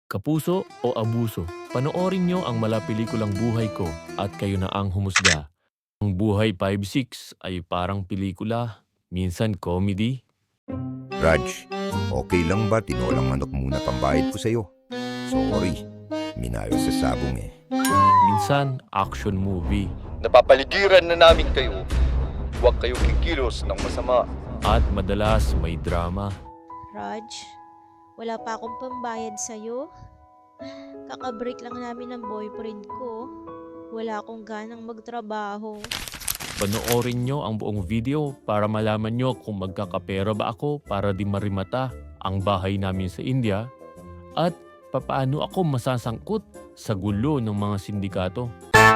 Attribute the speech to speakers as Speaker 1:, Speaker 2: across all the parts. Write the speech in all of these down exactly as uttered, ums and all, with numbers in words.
Speaker 1: Kapuso o abuso, panoorin nyo ang malapelikulang Buhay Ko at kayo na ang humusga. Ang Buhay five six ay parang pelikula, minsan comedy.
Speaker 2: Raj, okay lang ba tinolang manok muna pambayad ko sa'yo? Sorry, minayo sa sabong eh.
Speaker 1: Minsan action movie.
Speaker 3: Napapaligiran na namin kayo. Huwag kayong kikilos ng masama.
Speaker 1: At madalas may drama.
Speaker 4: Raj, wala pa akong pambayad sa'yo. Kakabreak lang namin ng boyfriend ko. Wala akong ganang magtrabaho.
Speaker 1: Panoorin nyo ang buong video para malaman nyo kung magkakapera ba ako para di marimata ang bahay namin sa India at papaano ako masasangkot sa gulo ng mga sindikato.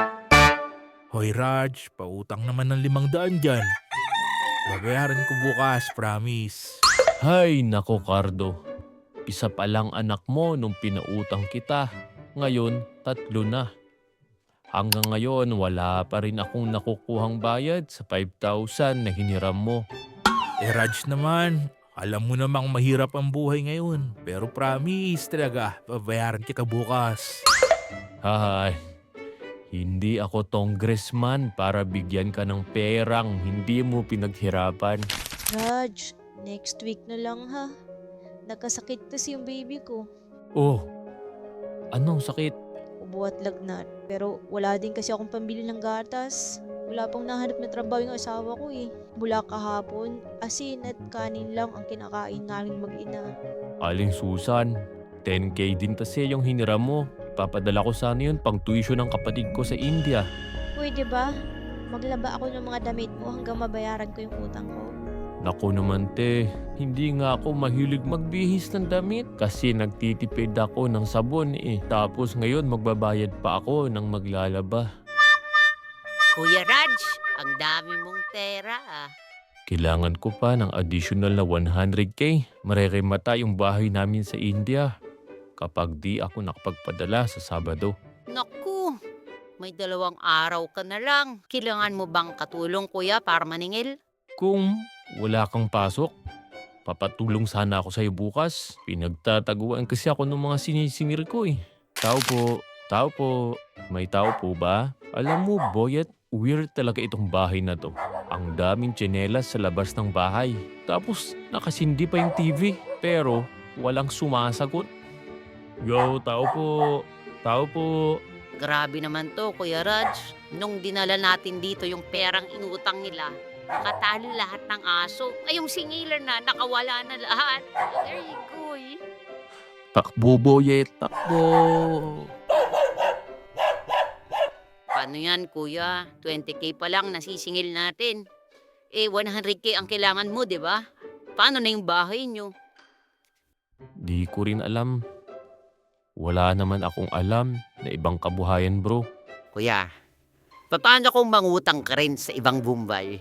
Speaker 5: Hoy Raj, pautang naman ng limang daan dyan. Babayaran ko bukas, promise.
Speaker 1: Hay nako Cardo, isa pa lang anak mo nung pinautang kita. Ngayon, tatlo na. Hanggang ngayon, wala pa rin akong nakukuhang bayad sa five thousand na hiniram mo.
Speaker 5: Eh Raj naman, alam mo namang mahirap ang buhay ngayon. Pero promise talaga, babayaran kita bukas.
Speaker 1: Hay, hindi ako congressman para bigyan ka ng perang hindi mo pinaghirapan.
Speaker 4: Raj, next week na lang ha. Nagkasakit kasi yung baby ko.
Speaker 1: Oh, anong sakit?
Speaker 4: Ubo at lagnat. Pero wala din kasi akong pambili ng gatas. Wala pang nahanap na trabaho yung asawa ko eh. Mula kahapon, asin at kanin lang ang kinakain namin mag-ina.
Speaker 1: Aling Susan, ten K din kasi yung hiniram mo. Papadala ko sana yun pang tuition ng kapatid ko sa India.
Speaker 4: Pwede ba? Maglaba ako ng mga damit mo hanggang mabayaran ko yung utang ko.
Speaker 1: Naku naman te, hindi nga ako mahilig magbihis ng damit kasi nagtitipid ako ng sabon eh. Tapos ngayon magbabayad pa ako ng maglalaba.
Speaker 6: Kuya Raj, ang dami mong pera ah.
Speaker 1: Kailangan ko pa ng additional na one hundred K. Mareremata yung bahay namin sa India kapag di ako nakapagpadala sa Sabado.
Speaker 6: Naku, may dalawang araw ka na lang. Kailangan mo bang katulong kuya para maningil?
Speaker 1: Kung wala kang pasok, papatulong sana ako sa'yo bukas. Pinagtataguan kasi ako ng mga sinisingil ko eh. Tao po, tao po, may tao po ba? Alam mo, Boyet, weird talaga itong bahay na to. Ang daming tsinelas sa labas ng bahay. Tapos nakasindi pa yung T V, pero walang sumasagot. Yo, tao po, tao po.
Speaker 6: Grabe naman to, Kuya Raj. Nung dinala natin dito yung perang inutang nila, nakatali lahat ng aso. Ay, yung singilan na, nakawala na lahat. There you go eh.
Speaker 1: Takbo, Boyet, takbo.
Speaker 6: Paano yan, kuya? twenty K pa lang nasisingil natin. Eh, one hundred K ang kailangan mo, di ba? Paano na yung bahay nyo?
Speaker 1: Di ko rin alam. Wala naman akong alam na ibang kabuhayan, bro.
Speaker 6: Kuya, paano kung mangutang ka rin sa ibang Bombay?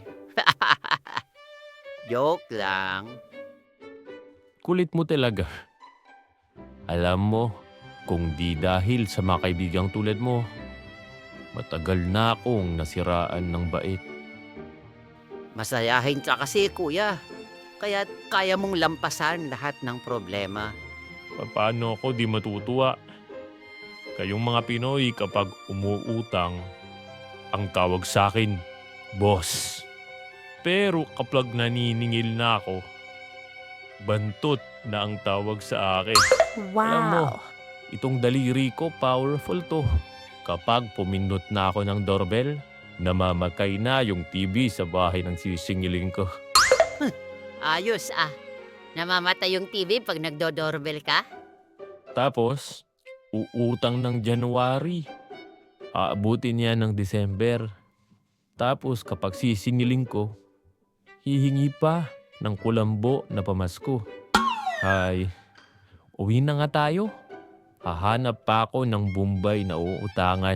Speaker 6: Joke lang.
Speaker 1: Kulit mo talaga. Alam mo, kung di dahil sa mga kaibigang tulad mo, matagal na akong nasiraan ng bait.
Speaker 6: Masayahin ka kasi, kuya. Kaya kaya mong lampasan lahat ng problema.
Speaker 1: Paano ako di matutuwa? Kayong mga Pinoy kapag umuutang, ang tawag sa akin, boss. Pero kapag naniningil na ako, bantot na ang tawag sa akin. Alam mo, itong daliri ko powerful to. Kapag pumindot na ako ng doorbell, namamatay na yung T V sa bahay ng sisingiling ko.
Speaker 6: Ayos ah. Namamatay yung T V pag nagdo-doorbell ka?
Speaker 1: Tapos, uutang ng January. Aabutin niya ng December. Tapos kapag sisingiling ko, hihingi pa ng kulambo na pamasko. Ay, uwi na nga tayo. Hahanap pa ako ng Bombay na uutangan.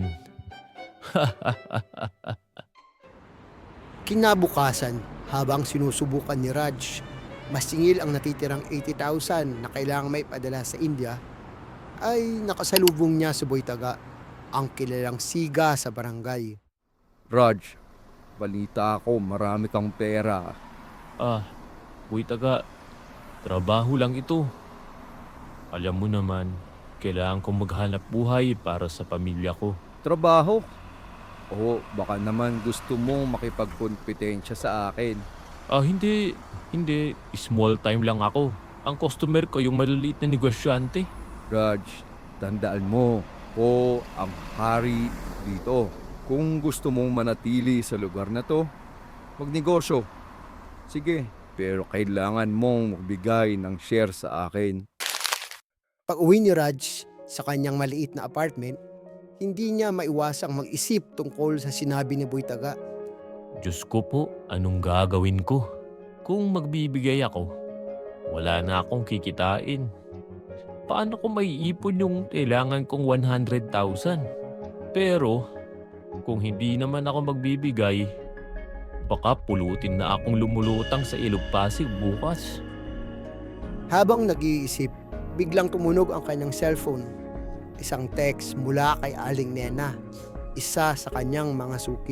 Speaker 7: Kinabukasan, habang sinusubukan ni Raj, masingil ang natitirang eighty thousand na kailangang may padala sa India, ay nakasalubong niya si Boy Taga, ang kilalang siga sa barangay.
Speaker 8: Raj, balita ko marami kang pera.
Speaker 1: Ah, Boy Taga, trabaho lang ito. Alam mo naman, Kailangan kong maghanap buhay para sa pamilya ko.
Speaker 8: Trabaho? O baka naman gusto mong makipagkompetensya sa akin.
Speaker 1: Ah, hindi. Hindi. Small time lang ako. Ang customer ko yung maliliit na negosyante.
Speaker 8: Raj, tandaan mo, ko ang hari dito. Kung gusto mong manatili sa lugar na to, magnegosyo. Sige, pero kailangan mong magbigay ng share sa akin.
Speaker 7: Pag uwi ni Raj sa kanyang maliit na apartment, hindi niya maiwasang mag-isip tungkol sa sinabi ni Boy Taga.
Speaker 1: Diyos ko po, anong gagawin ko? Kung magbibigay ako, wala na akong kikitain. Paano ko maiipon yung kailangan kong one hundred thousand? Pero, kung hindi naman ako magbibigay, baka pulutin na akong lumulutang sa Ilog Pasig bukas.
Speaker 7: Habang nag-iisip, biglang tumunog ang kanyang cellphone. Isang text mula kay Aling Nena, isa sa kanyang mga suki.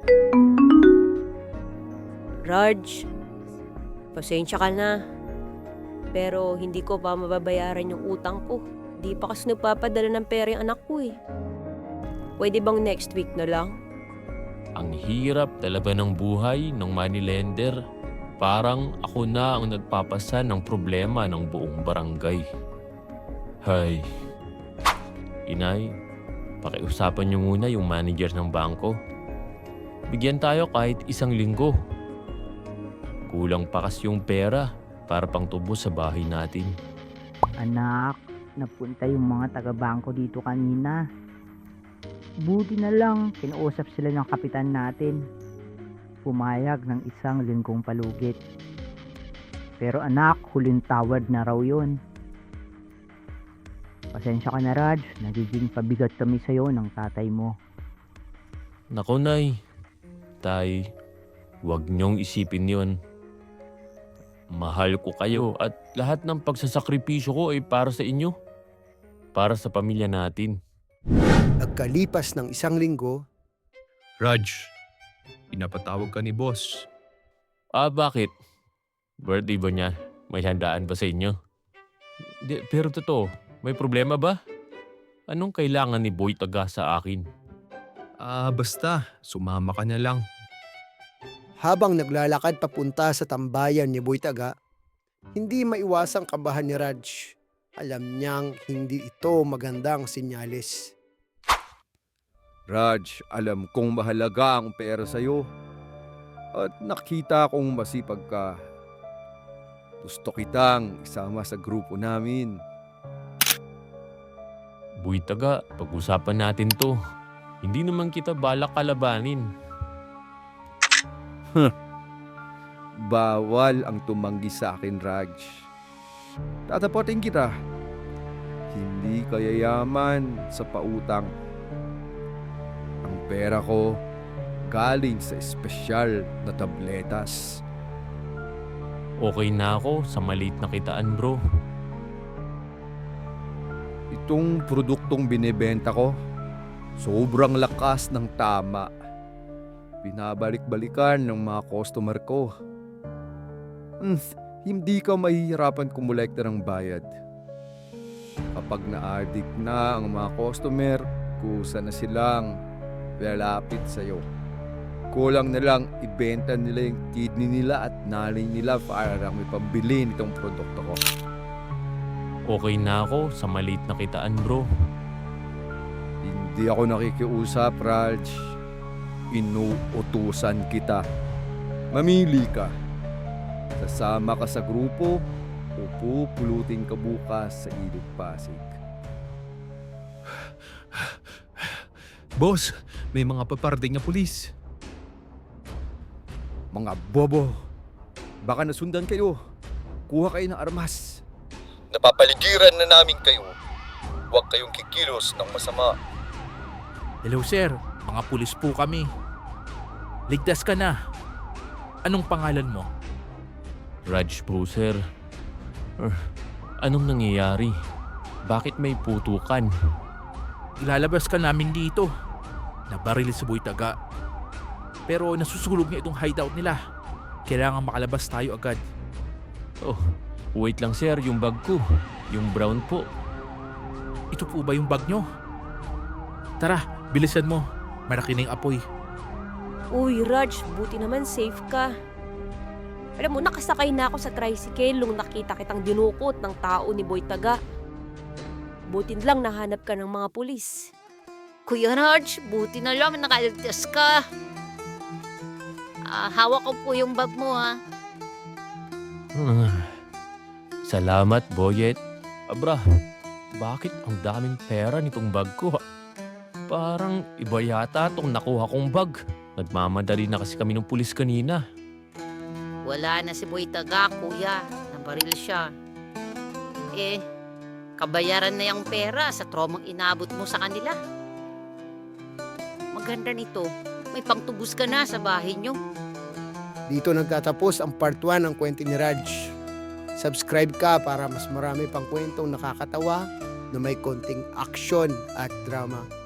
Speaker 9: Raj, pasensya ka na. Pero hindi ko pa mababayaran yung utang ko. Di pa kasi nagpapadala ng pera yung anak ko eh. Pwede bang next week na lang?
Speaker 1: Ang hirap talaga ng buhay ng moneylender. Parang ako na ang nagpapasa ng problema ng buong barangay. Hay. Inay, pakiusapan niyo muna yung manager ng bangko. Bigyan tayo kahit isang linggo. Kulang pa kasi yung pera para pang tubo sa bahay natin.
Speaker 10: Anak, napunta yung mga taga-bangko dito kanina. Buti na lang, kinausap sila ng kapitan natin. Pumayag ng isang linggong palugit. Pero anak, huling tawad na raw yun. Pasensya ka na Raj, nagiging pabigat kami sa'yo ng tatay mo.
Speaker 1: Naku nay, tay, huwag niyong isipin yon. Mahal ko kayo at lahat ng pagsasakripisyo ko ay para sa inyo. Para sa pamilya natin.
Speaker 7: Nagkalipas ng isang linggo,
Speaker 11: Raj, pinapatawag ka ni boss.
Speaker 1: Ah, bakit? Birthday ba niya? May handaan ba sa inyo? Di, pero totoo, may problema ba? Anong kailangan ni Boy Taga sa akin?
Speaker 11: Ah, basta, sumama ka na lang.
Speaker 7: habang naglalakad papunta sa tambayan ni Boy Taga, hindi maiwasang kabahan ni Raj. Alam niyang hindi ito magandang sinyalis.
Speaker 8: Raj, alam kong mahalaga ang pera sa'yo. At nakita kong masipag ka. Gusto kitang isama sa grupo namin.
Speaker 1: Boy Taga, pag-usapan natin to. Hindi naman kita balak kalabanin.
Speaker 8: Bawal ang tumanggi sa akin, Raj. Tatapotin kita. Hindi ka yayaman sa pautang. Ang pera ko galing sa espesyal na tabletas.
Speaker 1: Okay na ako sa maliit na kitaan, bro.
Speaker 8: Itong produktong binebenta ko, sobrang lakas ng tama. Binabalik-balikan ng mga customer ko. Hmm, hindi ka mahihirapan kumulekta ng bayad. Kapag na-addict na ang mga customer, kusa na silang lalapit sa'yo. Kulang na lang ibenta nila yung kidney nila at nanay nila para lang may pambili nitong produkto ko.
Speaker 1: Okay na ako sa maliit na kitaan, bro.
Speaker 8: Hindi ako nakikiusap, Raj. Inuutusan kita. Mamili ka. Sasama ka sa grupo o pupulutin ka bukas sa Ilog Pasig.
Speaker 11: Boss, may mga paparating na pulis.
Speaker 8: Mga bobo, baka nasundan kayo. Kuha kayo ng armas.
Speaker 3: Napapaligiran na namin kayo. Huwag kayong kikilos ng masama.
Speaker 5: Hello sir, mga pulis po kami. Ligtas ka na. Anong pangalan mo?
Speaker 1: Raj po, sir. Er, anong nangyayari? Bakit may putukan?
Speaker 5: Ilalabas ka namin dito. Nabaril si Boy Taga. Pero nasusulog niya itong hideout nila. Kailangan makalabas tayo agad.
Speaker 1: Oh, wait lang sir, yung bag ko. Yung brown po.
Speaker 5: ito po ba yung bag nyo? Tara, bilisan mo. Malaki na yung apoy.
Speaker 9: Uy, Raj, buti naman safe ka. Alam mo, nakasakay na ako sa tricycle nung nakita kitang dinukot ng tao ni Boy Taga. Buti lang nahanap ka ng mga pulis.
Speaker 6: Kuya Raj, buti na lang nakaligtas ka. Ah, hawak ko po yung bag mo ha.
Speaker 1: Hmm. Salamat, Boyet. Abra, bakit ang daming pera nitong bag ko? Parang iba yata itong nakuha kong bag. Nagmamadali na kasi kami ng pulis kanina.
Speaker 6: Wala na si Boy Taga, kuya. Nabaril siya. Eh, kabayaran na yung pera sa traumang inabot mo sa kanila. Maganda nito. May pangtubos ka na sa bahay nyo.
Speaker 7: Dito nagtatapos ang part one ng kwento ni Raj. Subscribe ka para mas marami pang kwentong nakakatawa na may konting aksyon at drama.